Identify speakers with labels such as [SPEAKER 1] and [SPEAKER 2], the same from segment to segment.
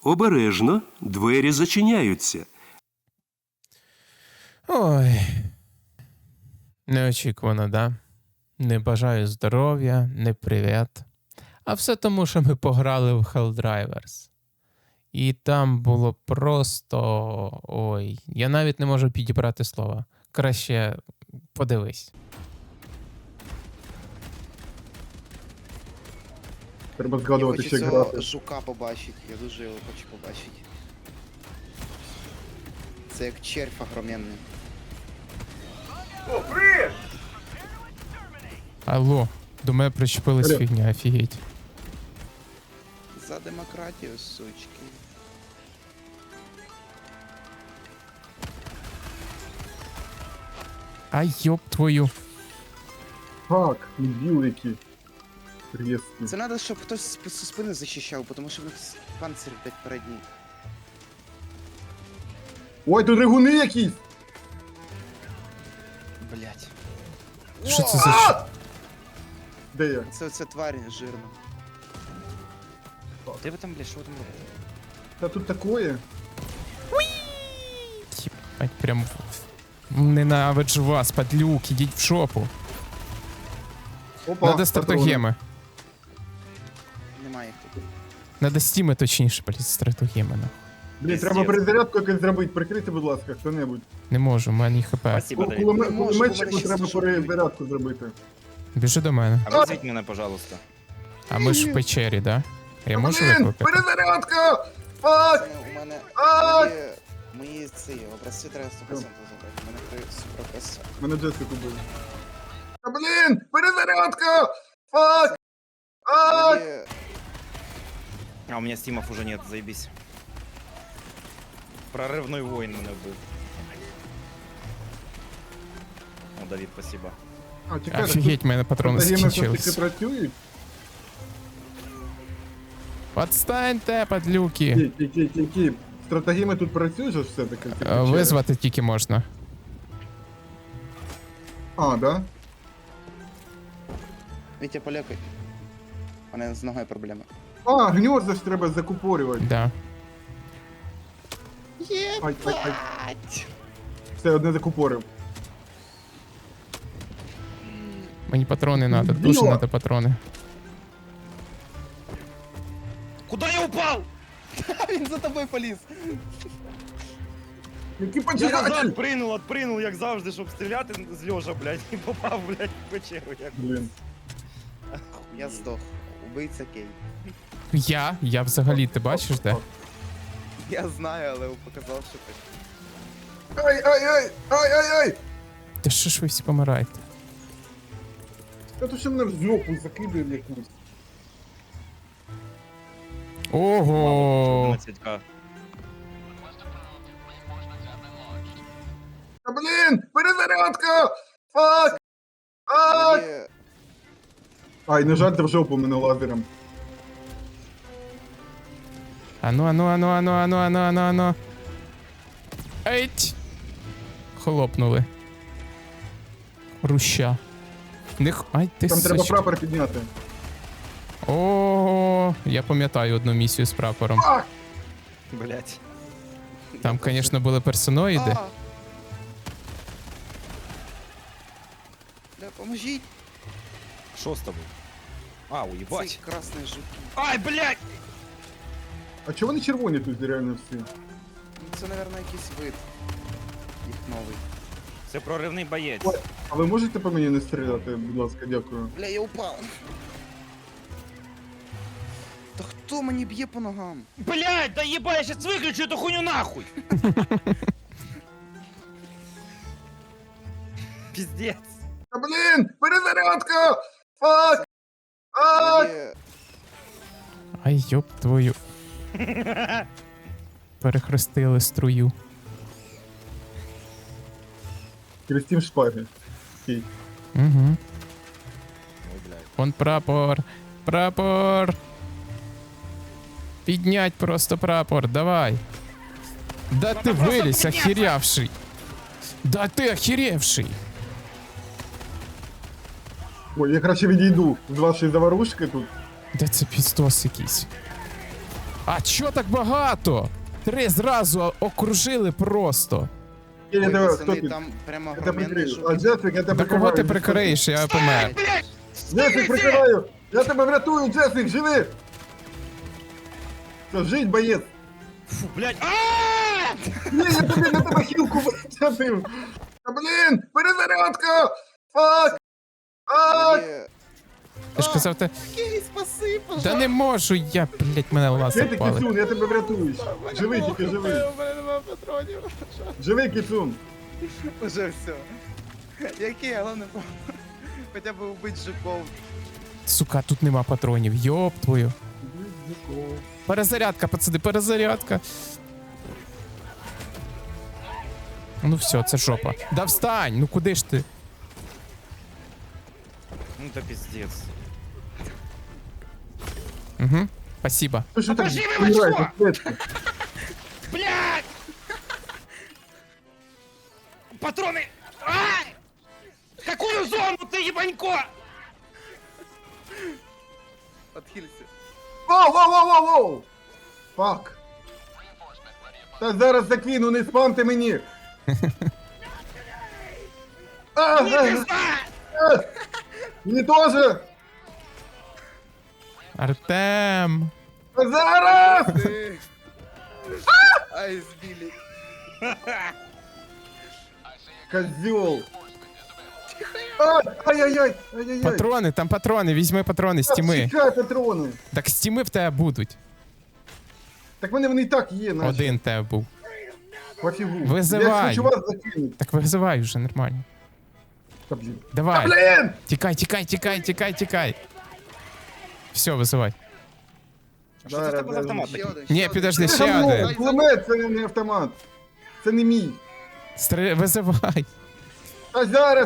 [SPEAKER 1] Обережно, двері зачиняються.
[SPEAKER 2] Ой. Неочікувано, да? Не бажаю здоров'я, не привіт. А все тому, що ми пограли в Helldivers. І там було просто... Ой, я навіть не можу підібрати слова. Краще подивись.
[SPEAKER 3] Треба
[SPEAKER 4] Я
[SPEAKER 3] згадувати,
[SPEAKER 4] хочу
[SPEAKER 3] ще
[SPEAKER 4] цього
[SPEAKER 3] грати.
[SPEAKER 4] жука побачити, я дуже його хочу побачити. Це як червь огроменний.
[SPEAKER 2] Алло, до мене причепилась
[SPEAKER 3] Алло.
[SPEAKER 2] фігня, офігеть.
[SPEAKER 4] За демократію, сучки.
[SPEAKER 2] Ай, йоп твою.
[SPEAKER 3] Так, дебіл які. Різкі.
[SPEAKER 4] Це треба, щоб хтось з спини захищав, тому що в них панцир, блядь, передній.
[SPEAKER 3] Ой, тут ригуни якісь!
[SPEAKER 4] Блядь.
[SPEAKER 2] Що це за...
[SPEAKER 3] Де я?
[SPEAKER 4] Це тварь жирна. Де ви там, блядь, що ви там робите?
[SPEAKER 3] Та тут такое.
[SPEAKER 2] Єбать, прям... Ненавиджу вас, падлюк, ідіть в шопу.
[SPEAKER 3] Опа,
[SPEAKER 2] Надо
[SPEAKER 3] патрони.
[SPEAKER 2] стратегеми.
[SPEAKER 4] Немає їх тут.
[SPEAKER 2] Надо стіми точніше, блядь, стратегеми. нахуй.
[SPEAKER 3] Блін, треба перезарядку якось зробити. Прикрийте, будь ласка, хто-небудь.
[SPEAKER 2] Не можу, в мене хп.
[SPEAKER 5] Спасибо, Давид.
[SPEAKER 4] Не можу, бо
[SPEAKER 3] Кулеметчику
[SPEAKER 4] мене щас
[SPEAKER 3] треба
[SPEAKER 4] дуже
[SPEAKER 3] перезарядку зробити.
[SPEAKER 2] Біжи до мене.
[SPEAKER 5] А вызовите меня, пожалуйста.
[SPEAKER 2] А ми ж в печері, да? Я можу
[SPEAKER 3] Блін,
[SPEAKER 2] викликати?
[SPEAKER 3] перезарядка! Фак!
[SPEAKER 4] У мене
[SPEAKER 3] А!
[SPEAKER 4] мої ці образці треба 100% забрати. У мене 3 суперописи.
[SPEAKER 3] Мене Джесику били. Та блін, перезарядка! Фак! А!
[SPEAKER 5] А у меня стимов уже нет, заебись. Прорывной воин меня был. О, Давид, спасибо.
[SPEAKER 3] А, чекайте,
[SPEAKER 2] Офігеть, в мене патрони
[SPEAKER 3] стратегеми все-таки
[SPEAKER 2] скінчились.
[SPEAKER 3] працюють?
[SPEAKER 2] Подстаньте, падлюки.
[SPEAKER 3] Ті. Стратегеми тут працюють же все-таки? в цій печері?
[SPEAKER 2] Визвати тільки можна.
[SPEAKER 3] А, да?
[SPEAKER 4] Вітя, полякай. У мене з ногою проблеми.
[SPEAKER 3] А, гнізда ж треба закупорювати.
[SPEAKER 2] Да.
[SPEAKER 3] Ай. Все, одне закупорив.
[SPEAKER 2] Мені патрони надо, дуже
[SPEAKER 3] Біла.
[SPEAKER 2] надо патрони.
[SPEAKER 5] Куда я упал?
[SPEAKER 4] Він за тобою поліз.
[SPEAKER 3] Який
[SPEAKER 5] Я
[SPEAKER 3] поджигатель!
[SPEAKER 5] назад отпринул, як завжди, щоб стріляти з льожа, блядь, і попав, блядь, в печеру. Як...
[SPEAKER 3] Блін.
[SPEAKER 4] Я здох. Убийця Кей.
[SPEAKER 2] Я взагалі, ти бачиш, де?
[SPEAKER 4] Я знаю, але показав, що ти.
[SPEAKER 3] Ай!
[SPEAKER 2] Та що ж ви всі помираєте?
[SPEAKER 3] Та то ще мене в жопу закидує в якусь.
[SPEAKER 2] Ого!
[SPEAKER 5] 11к.
[SPEAKER 3] Та блін, перезарядка! Фак! Ай!
[SPEAKER 4] Мені-
[SPEAKER 3] Ай, не жарте в жопу мене лазером.
[SPEAKER 2] Ану. Еть! Хлопнули. Руща. Ай, ти
[SPEAKER 3] Там треба
[SPEAKER 2] сучка.
[SPEAKER 3] прапор підняти.
[SPEAKER 2] О, я пам'ятаю одну місію з прапором.
[SPEAKER 5] Блядь.
[SPEAKER 2] Там, звісно, були персоноїди.
[SPEAKER 4] А! Бля, поможіть!
[SPEAKER 5] Що з тобою? А,
[SPEAKER 4] Цей
[SPEAKER 5] уебать.
[SPEAKER 4] красний жук.
[SPEAKER 5] Ай, блядь!
[SPEAKER 3] А чого вони червоні тут реально всі?
[SPEAKER 4] Ну, це, мабуть, якийсь вид. Їх новий.
[SPEAKER 5] Це проривний боєць.
[SPEAKER 3] Ой. А ви можете по мені не стріляти, будь ласка, дякую.
[SPEAKER 4] Бля, я упав. Та хто мені б'є по ногам?
[SPEAKER 5] Блядь, да ебай, я сейчас выключу эту хуйню нахуй! Пиздец.
[SPEAKER 3] Та блін, перезарядка! Фак! Ай!
[SPEAKER 4] Мені-
[SPEAKER 2] Ай, йоп твою. Перехрестили струю.
[SPEAKER 3] Крестім шпаги. Окей.
[SPEAKER 2] Угу.
[SPEAKER 5] Ой, блядь.
[SPEAKER 2] Вон прапор. Прапор. Піднять просто прапор, давай. Да ти вилізь, охерявший. Да ти охеревший.
[SPEAKER 3] Ой, я краще відійду з вашої заварушки тут.
[SPEAKER 2] Де це піздос якийсь? А чо так багато? 3 зразу окружили просто.
[SPEAKER 3] Я
[SPEAKER 4] Ой,
[SPEAKER 3] тебе,
[SPEAKER 4] пацани,
[SPEAKER 3] хто
[SPEAKER 4] там прямо
[SPEAKER 3] Я тебе
[SPEAKER 4] огроменний
[SPEAKER 3] прикрию. А
[SPEAKER 4] жук.
[SPEAKER 3] Джесик, я тебе
[SPEAKER 2] До кого ти
[SPEAKER 3] прикриваю.
[SPEAKER 2] прикриєш, я помер.
[SPEAKER 3] Джесик, прикриваю! Я тебе врятую, Джесик, живи! Все, жить, боєць!
[SPEAKER 5] Фу, блядь. Ааа!
[SPEAKER 3] Ні, я тобі на тебе хілку витягнув! Та блін, перезарядка! Фак! Фак!
[SPEAKER 4] Є.
[SPEAKER 2] Ти ж казав, ти...
[SPEAKER 4] Окей, спаси,
[SPEAKER 2] Да
[SPEAKER 4] пожалуйста.
[SPEAKER 2] не можу, я, блядь, мене ласа
[SPEAKER 3] Де ти,
[SPEAKER 2] впали.
[SPEAKER 3] Кіцун, я тебе врятую! Живи, тільки живи!
[SPEAKER 5] У мене нема патронів.
[SPEAKER 3] Живи, Кіцун!
[SPEAKER 4] Уже все. Який, головне, хоча б убити жуков.
[SPEAKER 2] Сука, тут нема патронів, йоп твою. Перезарядка, пацани, перезарядка. Ну все, це жопа. Да встань, ну куди ж ти?
[SPEAKER 5] Ну это пиздец.
[SPEAKER 2] Угу, спасибо.
[SPEAKER 3] Ти що так
[SPEAKER 5] Покажи мені
[SPEAKER 3] помираєш,
[SPEAKER 5] очко!
[SPEAKER 3] атлетка?
[SPEAKER 5] Блядь! Патроны! Ай! Какую зону ты, ебанько?
[SPEAKER 4] Отхилься.
[SPEAKER 3] Воу! Фак! Та зараз закину, не спамте мені! Мені теж!
[SPEAKER 2] Артем!
[SPEAKER 3] Та зараз!
[SPEAKER 4] Ты. Ай, сбили.
[SPEAKER 3] Козьол! Ай-яй-яй!
[SPEAKER 2] Патрони, там патрони, візьми патрони з тіми.
[SPEAKER 3] Чекай, патрони!
[SPEAKER 2] Так з тіми в тебе будуть.
[SPEAKER 3] Так вони і так є, наче.
[SPEAKER 2] Один в тебе був.
[SPEAKER 3] Пофігу.
[SPEAKER 2] Визивай.
[SPEAKER 3] Я хочу вас закинути.
[SPEAKER 2] Так визивай вже, нормально.
[SPEAKER 3] Та блін.
[SPEAKER 2] Давай.
[SPEAKER 3] Блін!
[SPEAKER 2] Тікай. Все, визивай.
[SPEAKER 5] Що це в тебе за автомат
[SPEAKER 4] Ще
[SPEAKER 5] такий?
[SPEAKER 4] один,
[SPEAKER 2] Ні,
[SPEAKER 4] ще один.
[SPEAKER 2] підожди,
[SPEAKER 3] Це
[SPEAKER 2] ще
[SPEAKER 3] говно,
[SPEAKER 2] один.
[SPEAKER 3] кулемет, це не автомат. Це не мій.
[SPEAKER 2] Визивай.
[SPEAKER 3] Та зараз!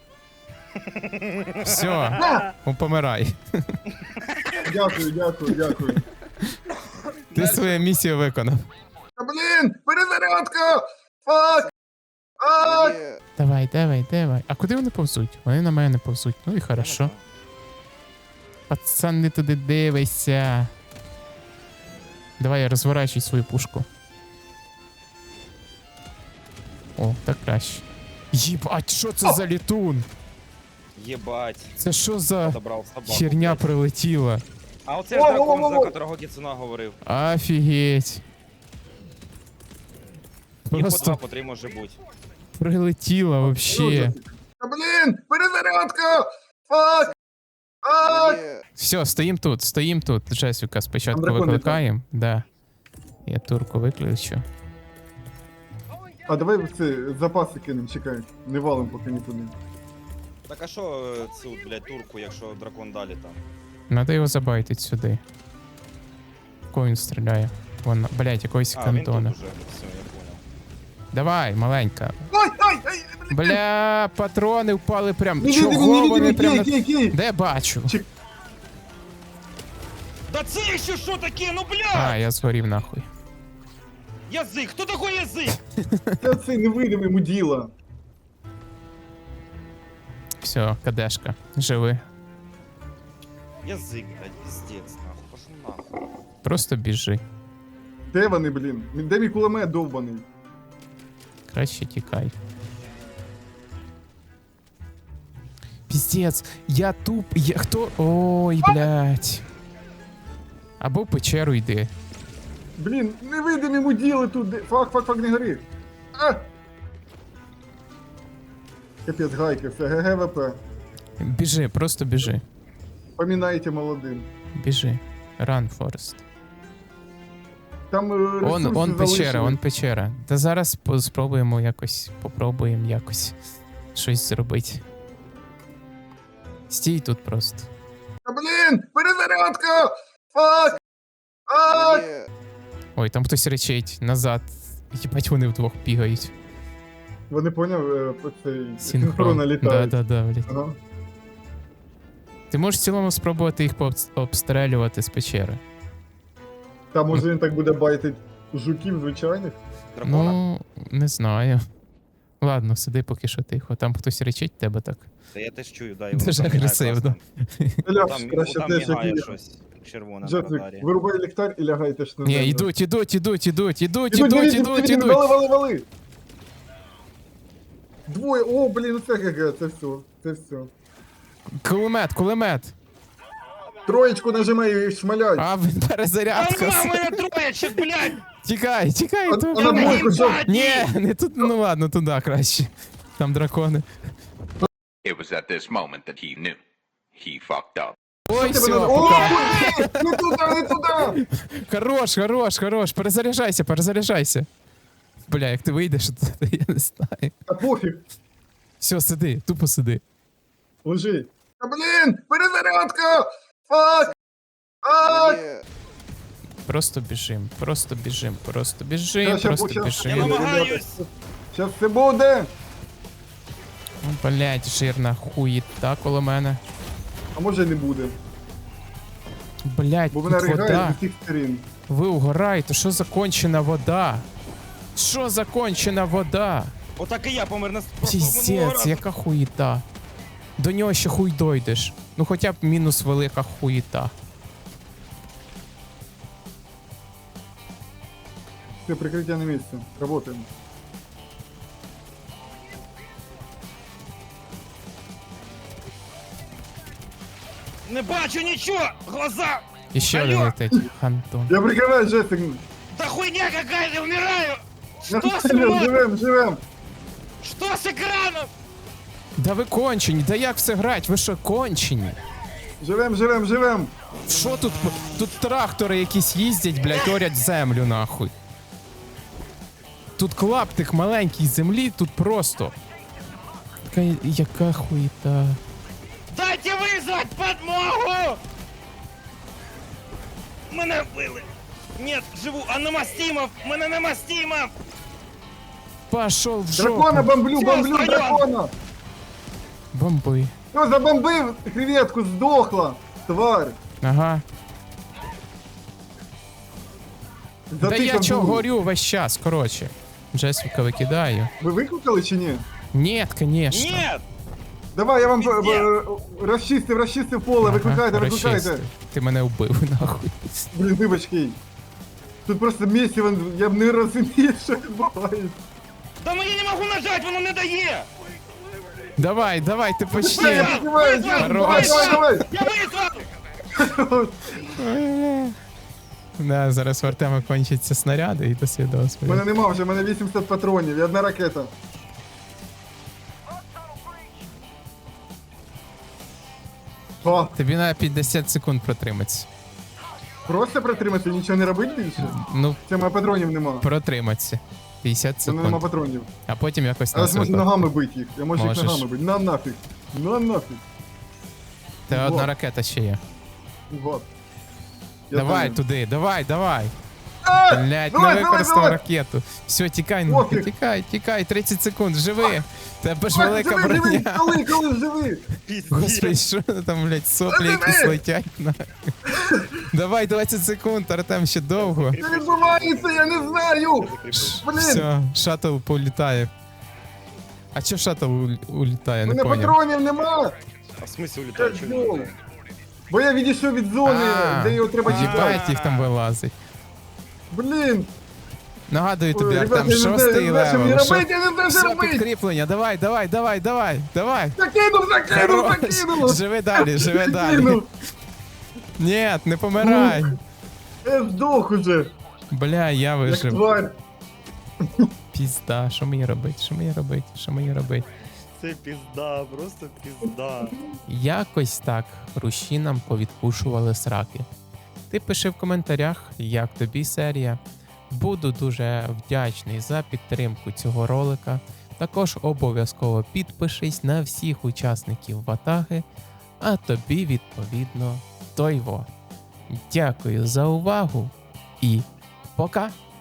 [SPEAKER 2] Все, помирай.
[SPEAKER 3] Дякую.
[SPEAKER 2] Ти свою місію виконав.
[SPEAKER 3] Та блін! Перезарядка! Фак! Фак!
[SPEAKER 4] Є.
[SPEAKER 2] Давай. А куди вони повзуть? Вони на мене повзуть. Ну і хорошо. Пацан, не туди дивися. Давай я розворачуй свою пушку. О, так краще. Єбать, що це за літун?
[SPEAKER 5] Єбать.
[SPEAKER 2] Це що за
[SPEAKER 5] Забрав собаку.
[SPEAKER 2] херня
[SPEAKER 5] блядь.
[SPEAKER 2] прилетіла?
[SPEAKER 5] А оце ж дракон, за
[SPEAKER 3] Во-во-во-во.
[SPEAKER 5] котрого Кіцуна говорив.
[SPEAKER 2] Офігеть.
[SPEAKER 5] І по 2,
[SPEAKER 2] Просто
[SPEAKER 5] по 3 може бути.
[SPEAKER 2] прилетіла вообще.
[SPEAKER 3] Та блін! Перезарядка! Фак! Фак!
[SPEAKER 4] Є.
[SPEAKER 2] Все, стоїм тут. Джесіка спочатку
[SPEAKER 3] Там дракон
[SPEAKER 2] викликаємо. Да. Я турку виключу.
[SPEAKER 3] А давай це запаси кинемо, чекай. Не валим поки нікуди.
[SPEAKER 5] Так а що цю, блядь, турку, якщо дракон далі там?
[SPEAKER 2] Надо його забайтить сюди. Кого він стріляє? Вон, блять, якогось
[SPEAKER 5] А, він тут
[SPEAKER 2] кантона.
[SPEAKER 5] уже. Все, я понял.
[SPEAKER 2] Давай, маленька.
[SPEAKER 3] Ай!
[SPEAKER 2] Бля, патрони впали прям.
[SPEAKER 3] Невидимий,
[SPEAKER 2] Чого вони прям на...
[SPEAKER 3] кий!
[SPEAKER 2] Де бачу?
[SPEAKER 5] Да це ще що таке? Ну,
[SPEAKER 2] А,
[SPEAKER 5] блядь!
[SPEAKER 2] я згорів нахуй.
[SPEAKER 5] Язик! Хто такой язик?
[SPEAKER 3] Це цей невидимий муділа.
[SPEAKER 2] Все, кадешка. Живи.
[SPEAKER 5] Язик, блядь, пиздец, нахуй. Пошел нахуй.
[SPEAKER 2] Просто біжи.
[SPEAKER 3] Де вони, блін? Де мій кулемет довбаний?
[SPEAKER 2] Краще тікай. Піздець, я туп. Хто? Ой, блядь. Або в печеру йди.
[SPEAKER 3] Блін, невидимі муділи тут. Фак, не гори. А! Капець, гайки, все, ГГВП.
[SPEAKER 2] Біжи, просто біжи.
[SPEAKER 3] Помінайте молодим.
[SPEAKER 2] Біжи. Run, Forest.
[SPEAKER 3] Там ресурси
[SPEAKER 2] Он печера,
[SPEAKER 3] залишили.
[SPEAKER 2] он печера. Та зараз спробуємо якось щось зробити. Стій тут просто.
[SPEAKER 3] Та блін, перезарядка! Фак! Фак!
[SPEAKER 4] Є.
[SPEAKER 2] Ой, там хтось речить назад. Їбать, вони вдвох бігають.
[SPEAKER 3] Вони поняв, цей
[SPEAKER 2] Синхрон.
[SPEAKER 3] синхронно літають.
[SPEAKER 2] Да, блядь.
[SPEAKER 3] Ага.
[SPEAKER 2] Ти можеш в цілому спробувати їх обстрелювати з печери.
[SPEAKER 3] Та може він так буде байтить жуків звичайних?
[SPEAKER 5] Дракона?
[SPEAKER 2] Ну, не знаю. Ладно, сиди поки що тихо. Там хтось речить тебе так.
[SPEAKER 5] Та я теж чую, да, і
[SPEAKER 2] Дуже
[SPEAKER 5] воно там мігає
[SPEAKER 2] агресивно.
[SPEAKER 5] класно.
[SPEAKER 3] Ляп,
[SPEAKER 5] Там,
[SPEAKER 3] краще
[SPEAKER 5] там
[SPEAKER 3] теж як
[SPEAKER 5] мігає
[SPEAKER 3] і я.
[SPEAKER 5] щось. червона на
[SPEAKER 3] Джетвік,
[SPEAKER 5] радарі.
[SPEAKER 3] вирубай ліхтар і лягайте ж на
[SPEAKER 2] Ні,
[SPEAKER 3] землю.
[SPEAKER 2] ідуть.
[SPEAKER 3] Вали. Двоє, о, блін, це ГГ, це все.
[SPEAKER 2] Кулемет.
[SPEAKER 3] Троєчку нажимай і шмаляй.
[SPEAKER 2] А, він перезарядка.
[SPEAKER 5] А, мене троєчок, блядь!
[SPEAKER 2] Тікай.
[SPEAKER 3] А
[SPEAKER 2] тут.
[SPEAKER 3] на двойку жов.
[SPEAKER 2] Ні, не тут, ну ладно, туди краще. Там дракони.
[SPEAKER 6] It was at this moment that he knew. He fucked up.
[SPEAKER 2] Ой, все,
[SPEAKER 3] О,
[SPEAKER 2] пока.
[SPEAKER 3] не туди!
[SPEAKER 2] Хорош. Перезаряджайся. Бля, як ти вийдеш, то я не знаю.
[SPEAKER 3] Та пофіг,
[SPEAKER 2] Все, сиди, тупо сиди.
[SPEAKER 3] лежи. Та блін, перезарядка! Фак!
[SPEAKER 2] Просто біжим.
[SPEAKER 3] Я щас
[SPEAKER 5] Я намагаюсь!
[SPEAKER 3] Щас все буде!
[SPEAKER 2] Блять, жирна хуїта коло мене.
[SPEAKER 3] А може й не буде,
[SPEAKER 2] Блять,
[SPEAKER 3] бо
[SPEAKER 2] тут
[SPEAKER 3] вона ригає
[SPEAKER 2] вода.
[SPEAKER 3] з усіх сторін.
[SPEAKER 2] Ви угораєте, що за кончена вода?
[SPEAKER 5] Отак і я помер на просто минулого
[SPEAKER 2] Піздець,
[SPEAKER 5] разу.
[SPEAKER 2] яка хуїта. До нього ще хуй дойдеш. Ну хоча б мінус велика хуїта.
[SPEAKER 3] Все, прикриття на місці. Работаємо.
[SPEAKER 5] Не бачу нічого! Глаза!
[SPEAKER 2] І ще один
[SPEAKER 5] Алло!
[SPEAKER 2] летить. Антон.
[SPEAKER 3] Я прикриваю Джесик.
[SPEAKER 5] Да хуйня какая-то, умираю! Что с мной?
[SPEAKER 3] Живем!
[SPEAKER 5] Что с экраном?
[SPEAKER 2] Да ви кончені, да як все грать? Ви що, кончені?
[SPEAKER 3] Живем!
[SPEAKER 2] Що тут? Тут трактори якісь їздять, блядь, орять землю нахуй. Тут клаптик маленький землі, тут просто. Яка хуїта.
[SPEAKER 5] Дайте вызвать подмогу! Мене вбили! Нет, живу, а на Мастимов! Мене на Мастимов!
[SPEAKER 2] Пошел в жопу.
[SPEAKER 3] Дракона бомблю,
[SPEAKER 5] Всё, встаём!
[SPEAKER 3] дракона!
[SPEAKER 2] Бомби.
[SPEAKER 3] Все, забомбив креветку, здохла, тварь!
[SPEAKER 2] Ага. Да я
[SPEAKER 3] Затикав
[SPEAKER 2] чо
[SPEAKER 3] дулю.
[SPEAKER 2] горю весь час, короче. Джесіка викидаю.
[SPEAKER 3] Ви викликали чи ні?
[SPEAKER 2] Нет, конечно.
[SPEAKER 5] Нет!
[SPEAKER 3] Давай, я вам
[SPEAKER 5] Ні.
[SPEAKER 3] розчистив поле, викликайте.
[SPEAKER 2] розчистив. Ти мене вбив, нахуй.
[SPEAKER 3] Блін, вибачки. Тут просто місіво, я б не розумію, що відбувається.
[SPEAKER 5] Да мені не можу нажать, воно не дає!
[SPEAKER 2] Давай, ти
[SPEAKER 3] Я
[SPEAKER 2] почти.
[SPEAKER 3] піднімаю,
[SPEAKER 2] Хорош.
[SPEAKER 3] давай!
[SPEAKER 5] Я визвав!
[SPEAKER 2] Да, зараз в Артема кончаться снаряди і до свідоцтва.
[SPEAKER 3] У мене нема вже, у мене 800 патронів і одна ракета. О,
[SPEAKER 2] Тобі на 50 секунд протриматися.
[SPEAKER 3] просто протримати, нічого не робити більше?
[SPEAKER 2] Ну,
[SPEAKER 3] Це моїх патронів нема.
[SPEAKER 2] протриматися. 50
[SPEAKER 3] Це нема
[SPEAKER 2] секунд.
[SPEAKER 3] патронів.
[SPEAKER 2] А потім якось
[SPEAKER 3] А я
[SPEAKER 2] на
[SPEAKER 3] можу
[SPEAKER 2] себе.
[SPEAKER 3] ногами бити їх. Я можу їх
[SPEAKER 2] Можеш.
[SPEAKER 3] ногами бити. На нафіг. На нафіг.
[SPEAKER 2] Та одна
[SPEAKER 3] Вот.
[SPEAKER 2] ракета ще є.
[SPEAKER 3] Вот. Я
[SPEAKER 2] Давай
[SPEAKER 3] там.
[SPEAKER 2] туди, давай.
[SPEAKER 3] А!
[SPEAKER 2] Блять, не
[SPEAKER 3] Давай,
[SPEAKER 2] використав
[SPEAKER 3] давай!
[SPEAKER 2] ракету. Все, тікай,
[SPEAKER 3] Пофіг.
[SPEAKER 2] тікай, 30 секунд, живи. Тебе ж
[SPEAKER 3] Ой,
[SPEAKER 2] велика
[SPEAKER 3] живи, живи,
[SPEAKER 2] броня.
[SPEAKER 3] коли живи.
[SPEAKER 2] Господи, що там, блядь, соплі
[SPEAKER 3] Живи!
[SPEAKER 2] якісь летять нахуй. Давай 20 секунд, Артем, ще довго.
[SPEAKER 3] Що відбувається, я не знаю. Блін,
[SPEAKER 2] Все, шаттл політає. А чо шаттл улітає,
[SPEAKER 3] у
[SPEAKER 2] не
[SPEAKER 3] мене
[SPEAKER 2] поняв.
[SPEAKER 3] патронів нема.
[SPEAKER 5] А в смысле улетаю?
[SPEAKER 3] Я
[SPEAKER 5] Чё
[SPEAKER 3] жду.
[SPEAKER 5] улетаю?
[SPEAKER 3] Бо я відійшов від зони, де його треба чекати.
[SPEAKER 2] їбать їх там вилазить.
[SPEAKER 3] Блін.
[SPEAKER 2] Нагадую тобі,
[SPEAKER 3] Ой, ребята,
[SPEAKER 2] Артем,
[SPEAKER 3] я не знаю,
[SPEAKER 2] шостий
[SPEAKER 3] я не знаю, що мені
[SPEAKER 2] левел.
[SPEAKER 3] робити, я не знаю, що
[SPEAKER 2] Все,
[SPEAKER 3] робити.
[SPEAKER 2] підкріплення, давай.
[SPEAKER 3] Закинув.
[SPEAKER 2] Живи далі.
[SPEAKER 3] Закинув.
[SPEAKER 2] Ні, не помирай.
[SPEAKER 3] Я здох уже,
[SPEAKER 2] Бля, я
[SPEAKER 3] як
[SPEAKER 2] вижив.
[SPEAKER 3] тварь.
[SPEAKER 2] Пізда, що мені робити?
[SPEAKER 5] Це пізда, просто пізда.
[SPEAKER 2] Якось так руші нам повідпушували сраки. Ти пиши в коментарях, як тобі серія. Буду дуже вдячний за підтримку цього ролика. Також обов'язково підпишись на всіх учасників ватаги, а тобі відповідно тойво. Дякую за увагу і пока!